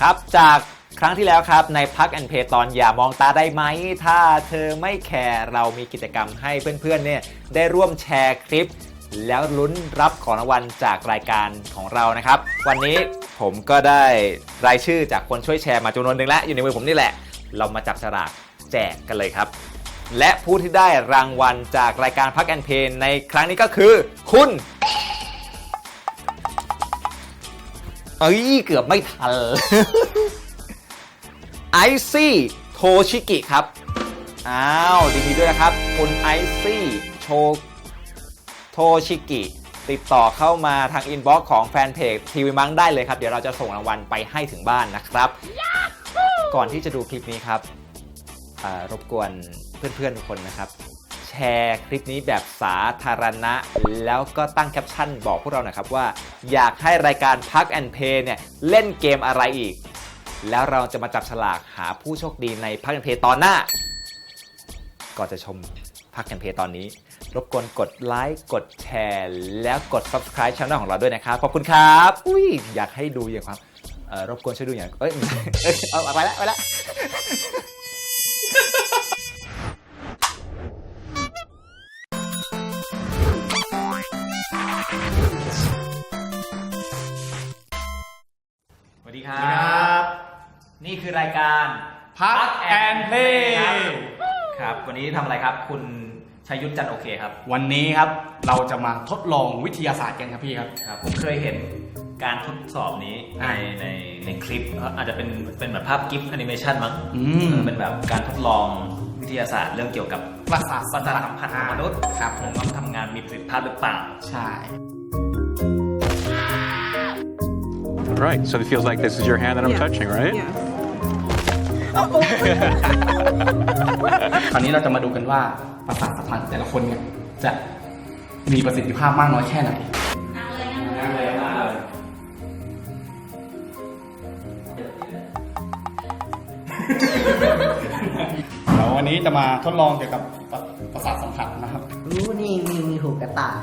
ครับจากครั้งที่แล้วครับในพักแอนเพย์ตอนอย่ามองตาได้ไหมถ้าเธอไม่แคร์เรามีกิจกรรมให้เพื่อนๆเนี่ยได้ร่วมแชร์คลิปแล้วลุ้นรับของรางวัลจากรายการของเรานะครับวันนี้ผมก็ได้รายชื่อจากคนช่วยแชร์มาจำนวนหนึ่งแล้วอยู่ในมือผมนี่แหละเรามาจับฉลากแจกกันเลยครับและผู้ที่ได้รางวัลจากรายการพักแอนเพย์ในครั้งนี้ก็คือคุณเกือบไม่ทัน ไอซี่โทชิกิครับอ้าวดีๆด้วยนะครับคุณไอซี่โทชิกิติดต่อเข้ามาทางอินบ็อกซ์ของแฟนเพจทีวีมังได้เลยครับเดี๋ยวเราจะส่งรางวัลไปให้ถึงบ้านนะครับก่อนที่จะดูคลิปนี้ครับรบกวนเพื่อนๆทุกคนนะครับแชร์คลิปนี้แบบสาธารณะแล้วก็ตั้งแคปชั่นบอกพวกเราหน่อยครับว่าอยากให้รายการพักแอนเพย์เนี่ยเล่นเกมอะไรอีกแล้วเราจะมาจับฉลากหาผู้โชคดีในพักแอนเพย์ตอนหน้าก่อนจะชมพักแอนเพย์ตอนนี้รบกวนกดไลค์กดแชร์แล้วกด Subscribe ช่องของเราด้วยนะครับขอบคุณครับอยากให้ดูอย่างความรบกวนช่วยดูอย่างเอาไปแล้วสวัสดีครับนี่คือรายการพักแอนเพย์ครับวันนี้ทำอะไรครับคุณชัยยุทธจันโอเคครับวันนี้ครับเราจะมาทดลองวิทยาศาสตร์กันครับพี่ครับผมเคยเห็นการทดสอบนี้ในคลิปอาจจะเป็นแบบภาพกิฟต์แอนิเมชันมั้งเป็นแบบการทดลองวิทยาศาสตร์เรื่องเกี่ยวกับประสาทสัมผัสของมนุษย์ครับผมว่าทำงานมีประสิทธิภาพหรือเปล่าใช่ Right, so it feels like this is your hand that I'm touching, right? Yeah. คราวนี้เราจะมาดูกันว่าประสาทสัมผัสแต่ละคนเนี่ยจะมีประสิทธิภาพมากน้อยแค่ไหนนั่งเลยเดี๋ยววันนี้จะมาทดลองเกี่ยวกับประสาทสัมผัสนะครับรู้นี่มีหูกระต่าย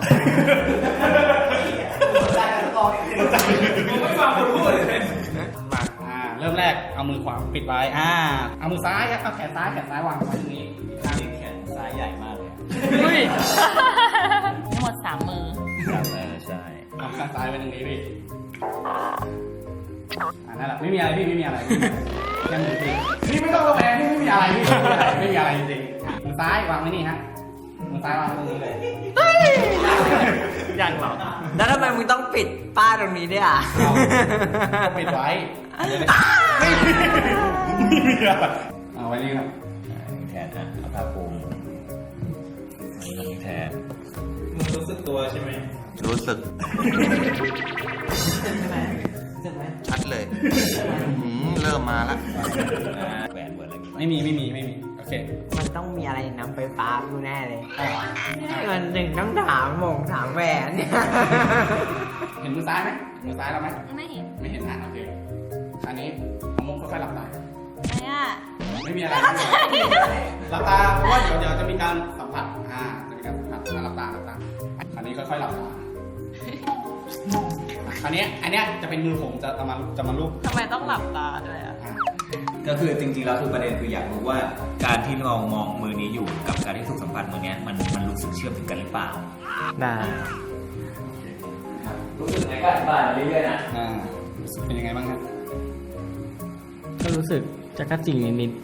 ไม่ฟังคนพูดเลยเริ่มแรกเอามือขวาปิดไว้เอามือซ้ายครับเอาแขนซ้ายวางไว้ตรงนี้แขนซ้ายใหญ่มากเลยทั้งหมด3 มือใช่เอาแขนซ้ายไว้ตรงนี้พี่นั่นแหละไม่มีอะไรพี่ไม่มีอะไรแค่มือพี่นี่ไม่ต้องระแวงนี่ไม่มีอะไรพี่ไม่มีอะไรจริงมือซ้ายวางไว้นี่ฮะมือซ้ายวางตรงนี้เลยยังหรอแล้วทำไมมึงต้องปิดป้าตรงนี้ด้วยปิดไว้ไม่มีอะไรเอาไว้นี่ครับแทนเอาผ้าปูนี่แทนมึงรู้สึกตัวใช่ไหมรู้สึกชัดเลยเริ่มมาแล้วแหวนเปิดอะไรไม่มีโอเคมันต้องมีอะไรนำไฟฟ้ากูแน่เลยมันถึงต้องถามแหวนเนี่ยเห็นมือซ้ายไหมมือซ้ายเราไหมไม่เห็นนะโอเคอันนี้เอามุมค่อยๆหลับตาไม่มีอะไรหลับตาเพราะว่าเดี๋ยวจะมีการสัมผัสจะมีการสัมผัสหลับตาอันนี้ค่อยๆหลับตาอันนี้จะเป็นมือผมจะมาลูบทำไมต้องหลับตาด้วยก็คือจริงๆแล้วคือประเด็นคืออยากรู้ว่าการที่เรามองมือนี้อยู่กับการที่ถูกสัมผัสมือนี้มันรู้สึกเชื่อมถึงกันหรือเปล่ารู้สึกไงก็อธิบายเรื่อยๆนะรู้สึกเป็นยังไงบ้างครับก็รู้สึกจักรจีนิด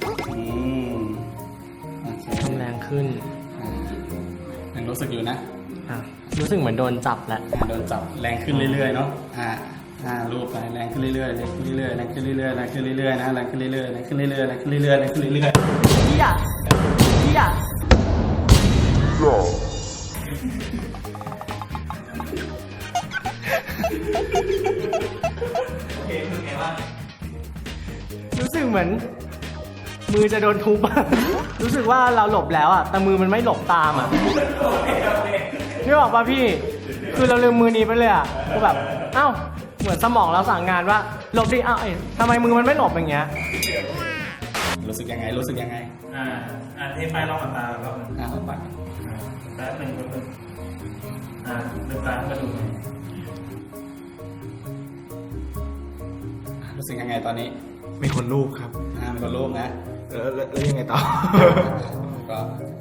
ทำแรงขึ้นยังรู้สึกอยู่นะรู้สึกเหมือนโดนจับแล้วโดนจับแรงขึ้นเรื่อยๆเนาะรูปไปแรงขึ้นเรื่อยๆแรงขึ้นเรื่อยๆแรงขึ้นเรื่อยๆแรงขึ้นเรื่อยๆนะแรงขึ้นเรื่อยๆแรงขึ้นเรื่อยๆแรงขึ้นเรื่อยๆแรงขึ้นเรื่อยๆพี่อะรู้สึกเหมือนมือจะโดนทุบรู้สึกว่าเราหลบแล้วอ่ะแต่มือมันไม่หลบตามอ่ะนึกออกป่ะพี่คือเราลืมมือนี้ไปเลยอ่ะก็แบบเหมือนสมองเราสั่งงานว่าหลบดิทำไมมือมันไม่หลบอย่างเงี้ยรู้สึกยังไงเทไปลองตาแล้วลองตาแป๊บนึงลืมตาก็ดูรู้สึกยังไงตอนนี้มีคนรูปครับมีคนรูปนะแล้วยังไงต่อก็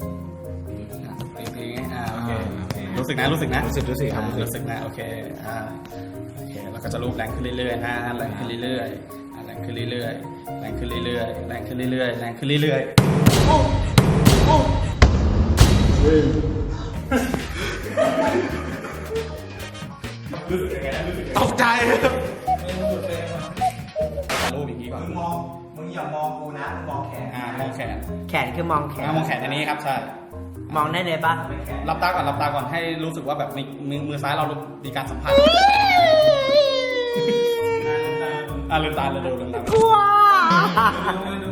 ตีโอเครู้สึกนะรู้สึกนะรู้สึกครับรู้สึกนะโอเคโอเคแล้วก็จะรูปแรงขึ้นเรื่อยๆนะแรงขึ้นเรื่อยๆแรงขึ้นเรื่อยๆแรงขึ้นเรื่อยๆแรงขึ้นเรื่อยๆแรงขึ้นเรื่อยๆตกใจรูปอย่างนี้ก่อนมึงอย่ามองกูนะมองแขนมองแขนแขนคือมองแขนมองแขนอันนี้ครับใช่มองได้เลยปะหลับตาก่อนให้รู้สึกว่าแบบมือซ้ายเรามีการสัมผัสลืมตาเร็วๆลืมตากลัวดู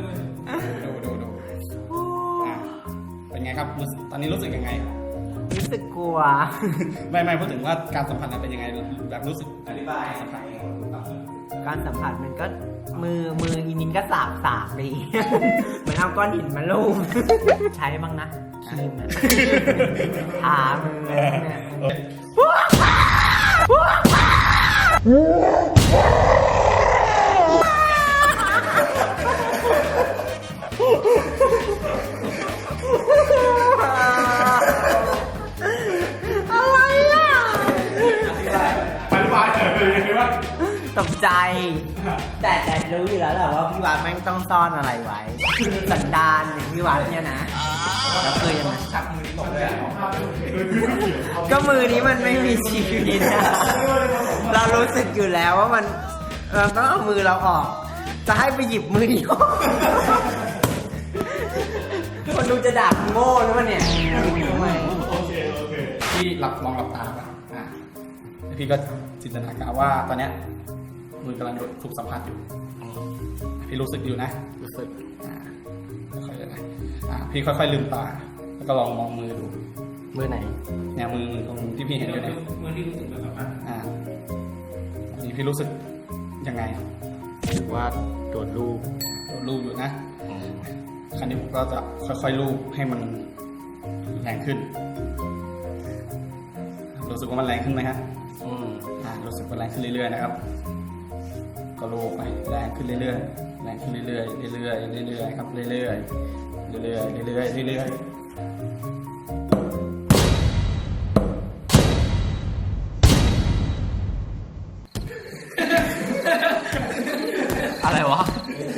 เป็นไงครับตอนนี้รู้สึกยังไงรู้สึกกลัวไม่พูดถึงว่าการสัมผัสนั้นเป็นยังไงแบบรู้สึกอธิบายสัมผัสการสัมผัสมันก็มืออีนินก็สากดี เหมือนเอาก้อนหินมาลูบ ใช้บ้างนะครีมอะทามือเนี่ย อะไรอ่ะอธิบายเลยยังไงวะตกใจ แต่รู้อยู่แล้วแหละว่าพี่วัดแม่งต้องซ่อนอะไรไว้ สันดานอย่างพี่วัดเนี่ยนะ แล้วคือยังไงก็มือนี้มันไม่มีชีวิตนะเรารู้สึกอยู่แล้วว่ามันเราต้องเอามือเราออก จะให้ไปหยิบมือนี้ออกคนดูจะด่ากูโง่หรือเปล่าเนี่ยทำไมพี่ลองหลับตาป่ะพี่ก็จินตนาการว่าตอนเนี้ยมือกำลังถูกสัมผัสอยู่พี่รู้สึกอยู่นะรู้สึกค่อยๆนะพี่ค่อยๆลืมตาแล้วก็ลองมองมือดูมือไหนเนี่ยมือตรงที่พี่เห็นอยู่เนี่ยมือที่รู้สึกแบบนั้นนี่พี่รู้สึกยังไงรู้สึกว่าโดนรูปรูปอยู่นะคราวนี้ผมก็จะค่อยๆรูปให้มันแรงขึ้นรู้สึกว่ามันแรงขึ้นไหมฮะรู้สึกว่าแรงขึ้นเรื่อยๆนะครับก็รูปไปแรงขึ้นเรื่อยๆแรงขึ้นเรื่อยๆเรื่อยๆเรื่อยๆครับเรื่อยๆเรื่อยๆเรื่อยๆเรื่อยๆอะไรวะ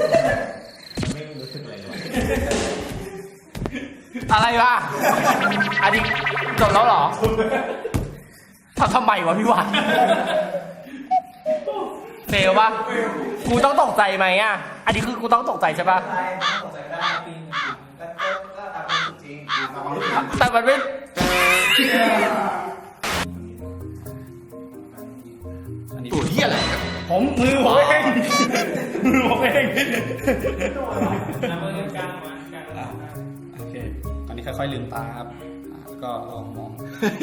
อะไรวะ อันนี้จบแล้วเหรอทำไมวะพี่วันเฟลปะกูต้องตกใจไหมอ่ะ อันนี้คือกูต้องตกใจใช่ปะแต่มันไม่ตัวเหี้ยอะไรครับมือผมเองมือผมเองโอเคตอนนี้ค่อยๆลืมตาครับแล้วก็ลองมอง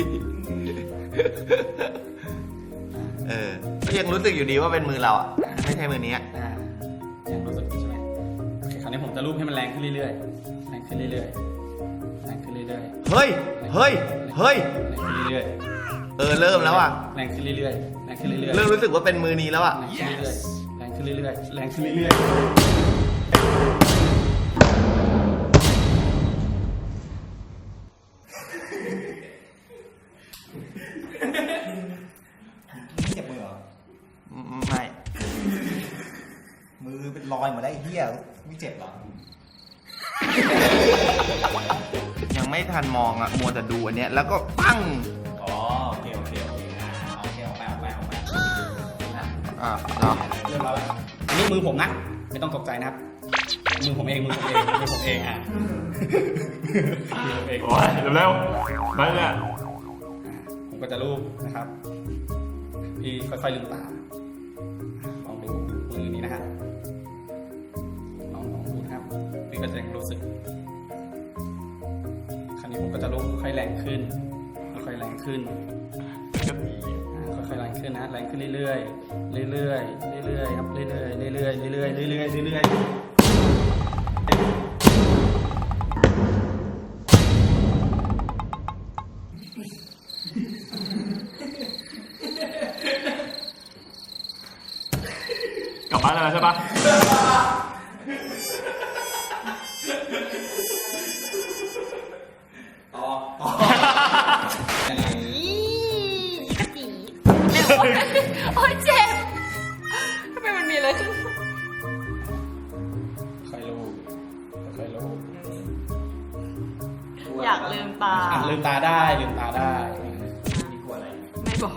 ก็ยังรู้สึกอยู่ดีว่าเป็นมือเราอ่ะ ไม่ใช่มือนี้ยังรู้สึกใช่ไหมโอเคคราวนี้ผมจะรูปให้มันแรงขึ้นเรื่อยๆแรงขึ้นเรื่อยๆแรงขึ้นเรื่อยๆเฮ้ยแรงขึ้นเรื่อยเริ่มแล้วอ่ะๆแรงขึ้นเรื่อยๆแรงขึ้นเรื่อยๆเริ่มรู้สึกว่าเป็นมือนี้แล้วอ่ะแรงขึ้นเรื่อยๆแรงขึ้นเรื่อยๆเจ็บมือเหรอไม่มือเป็นรอยหมดแล้วไอ้เหี้ยไม่เจ็บเหรอยังไม่ทันมองอ่ะ มัวแต่ดูอันเนี้ย แล้วก็ปั้งอ๋อ โอเคเอาไปเอาไปเอาไปเรียบร้อยแล้ว อันนี้มือผมนะ ไม่ต้องตกใจนะครับ มือผมเองอ่ะมือผมเองโอ้ยเร็วๆไปเนี่ยผมก็จะรูปนะครับ พี่ค่อยๆลืมตา ลองดูมือนี้นะครับลองดูนะครับ พี่ก็จะรู้สึก คราวนี้ผมก็จะรูปค่อยแรงขึ้น ค่อยแรงขึ้น ค่อยๆแรงขึ้นนะแรงขึ้นเรื่อยๆเรื่อยๆเรื่อยๆครับเรื่อยๆเรื่อยๆเรื่อยๆเรื่อยๆเรื่อยๆกลับบ้านแล้วได้แล้วใช่ปะโอ๊ยเจ็บทำไมมันมีอะไรขึ้นค่อยลูบค่อยลูบอยากลืมตาลืมตาได้ลืมตาได้ไม่บอก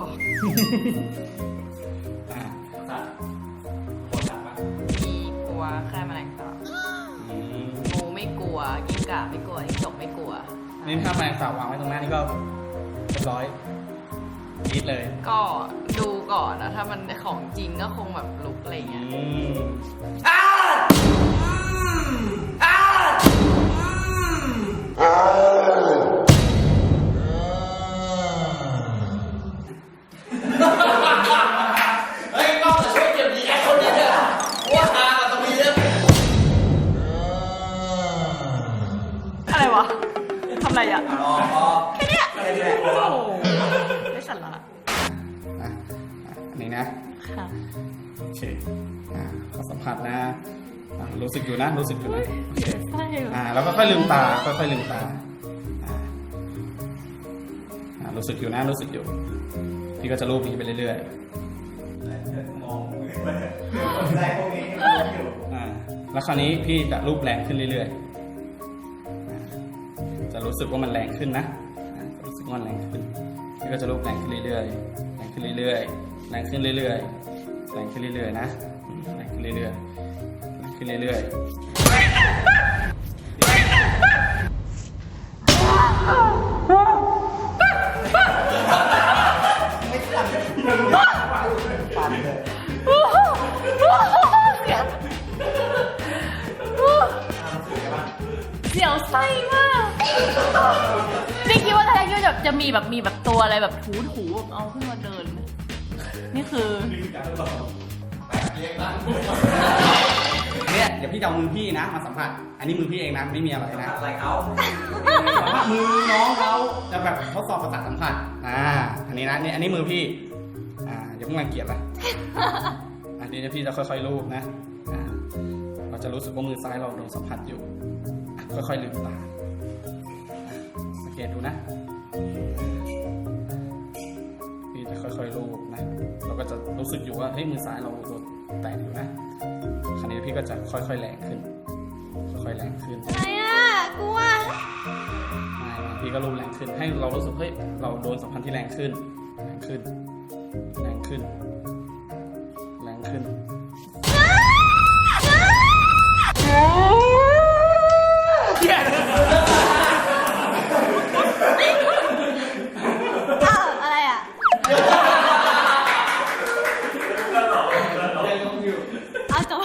อ่ะมีกลัวแค่แมลงสาบอืมงูไม่กลัวกิ้งก่าไม่กลัวจิ้งจกไม่กลัวนี่ถ้าแมลงสาบวางไว้ตรงหน้านี่ก็เรียบร้อยคิดเลยก็ดูก่อนนะถ้ามันของจริงก็คงแบบลุกอะไรเงี้ยอืมเฮ้ยกล้องจะช่วยเก็บดีแอคคนนี้เนี่ยว่าทางกับตรงนี้เนี่ยอะไรวะทำอะไรอ่ะแค่เนี้ยโอ้โหไม่สั่นละอ่ะอันนี้นะค่ะโอเคขอสัมผัสนะรู้สึกอยู่นะรู้สึกอยู่นะโอเคใช่เหรอแล้วก็ค่อยลืมตาค่อยลืมตารู้สึกอยู่นะรู้สึกอยู่พี่ก็จะรูปนี้ไปเรื่อยๆมองได้พวกนี้แล้วคราวนี้พี่จะรูปแรงขึ้นเรื่อยๆจะรู้สึกว่ามันแรงขึ้นนะรู้สึกว่ามันแรงขึ้นพี่ก็จะรูปแรงขึ้นเรื่อยๆแรงขึ้นเรื่อยๆแรงขึ้นเรื่อยๆแรงขึ้นเรื่อยๆนะแรงขึ้นเรื่อยๆแรงขึ้นเรื่อยๆเสียวไส้มากนี่คิดว่าทายาทจะมีแบบตัวอะไรแบบถูแบบเอาขึ้นมาเดิน นี่คือเนี่ยเดี๋ยวพี่จะเอามือพี่นะมาสัมผัส อันนี้มือพี่เองนะไม่มีอะไรนะอะไรเขามือน้องเขาจะแบบทดสอบประสาทสัมผัสอันนี้นะนี่อันนี้มือพี่อย่าเพิ่งรังเกียจนะอันนี้พี่จะค่อยๆลูบนะเราจะรู้สึกว่ามือซ้ายเราโดนสัมผัสอยู่ค่อยๆลืมตาสังเกตดูนะพี่จะค่อยๆลูบนะเราก็จะรู้สึกอยู่ว่าเฮ้ยมือซ้ายเราโดนแตะอยู่นะคราวนี้พี่ก็จะค่อยๆแรงขึ้นค่อยๆแรงขึ้นอะไรอ่ะกลัวไม่พี่ก็รูปแรงขึ้นให้เรารู้สึกเฮ้ยเราโดนสัมพันธ์ที่แรงขึ้นแรงขึ้นแรงขึ้นแรงขึ้นอะไรอ่ะเอาจบ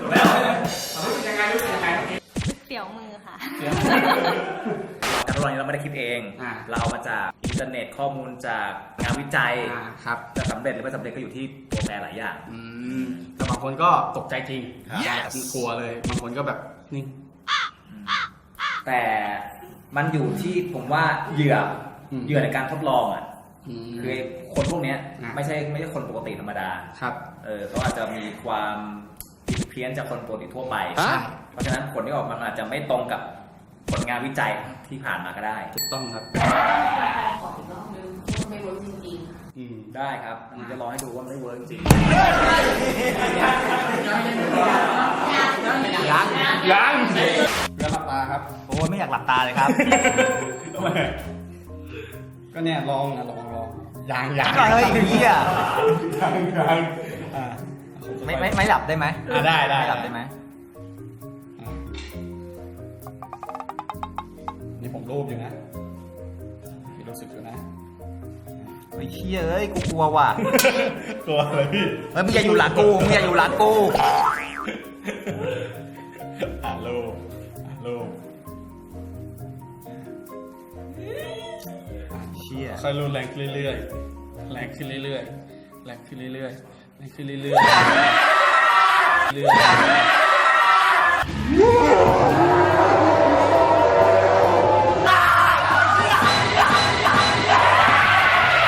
เสียวมือค่ะการทดลองนี้เราไม่ได้คิดเอง เราเอามาจากอินเทอร์เน็ตข้อมูลจากงานวิจัยครับจะสำเร็จหรือไม่สำเร็จก็อยู่ที่ตัวแปรหลายอย่างแต่บางคนก็ตกใจจริงกลัวเลยบางคนก็แบบนี่แต่มันอยู่ที่ผมว่าเหยื่อในการทดลองอ่ะคือคนพวกเนี้ยไม่ใช่คนปกติธรรมดาครับเขาอาจจะมีความผิดเพี้ยนจากคนปกติทั่วไป เพราะฉะนั้นผลที่ออกมาอาจจะไม่ตรงกับผลงานวิจัยที่ผ่านมาก็ได้ถูกต้องครับไม่รู้จริงได้ครับอันนี้จะรอให้ดูว่าไม่เวิร์กจริงยังเรือหลับตาครับโอ้ยไม่อยากหลับตาเลยครับก็เนี่ยลองยังเฮ้ยอย่างนี้อ่ะยังไม่หลับได้ไหมได้ไม่หลับได้ไหมนี่ผมรูปอยู่นะพี่รู้สึกอยู่นะไอ้เชี่ยเอ้ยกูกลัวว่ะกลัวอะไรพี่เฮ้ยมึงอย่าอยู่หลังกูมึงอย่าอยู่หลังกูรูปเชี่ยค่อยรูปแรงขึ้นเรื่อยๆแรงขึ้นเรื่อยๆแรงขึ้นเรื่อยๆแรงขึ้นเรื่อยๆเรื่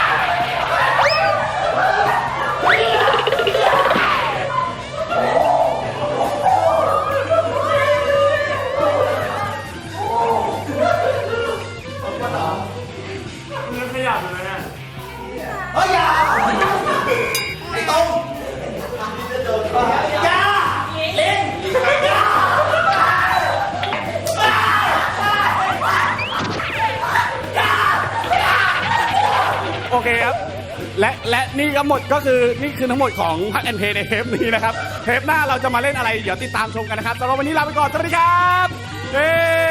อยๆโอเคครับ และนี่ก็หมดก็คือนี่คือทั้งหมดของพักแอนเพย์ในเทปนี้นะครับ เทปหน้าเราจะมาเล่นอะไร เดี๋ยวติดตามชมกันนะครับสำหรับวันนี้ลาไปก่อน สวัสดีครับเย้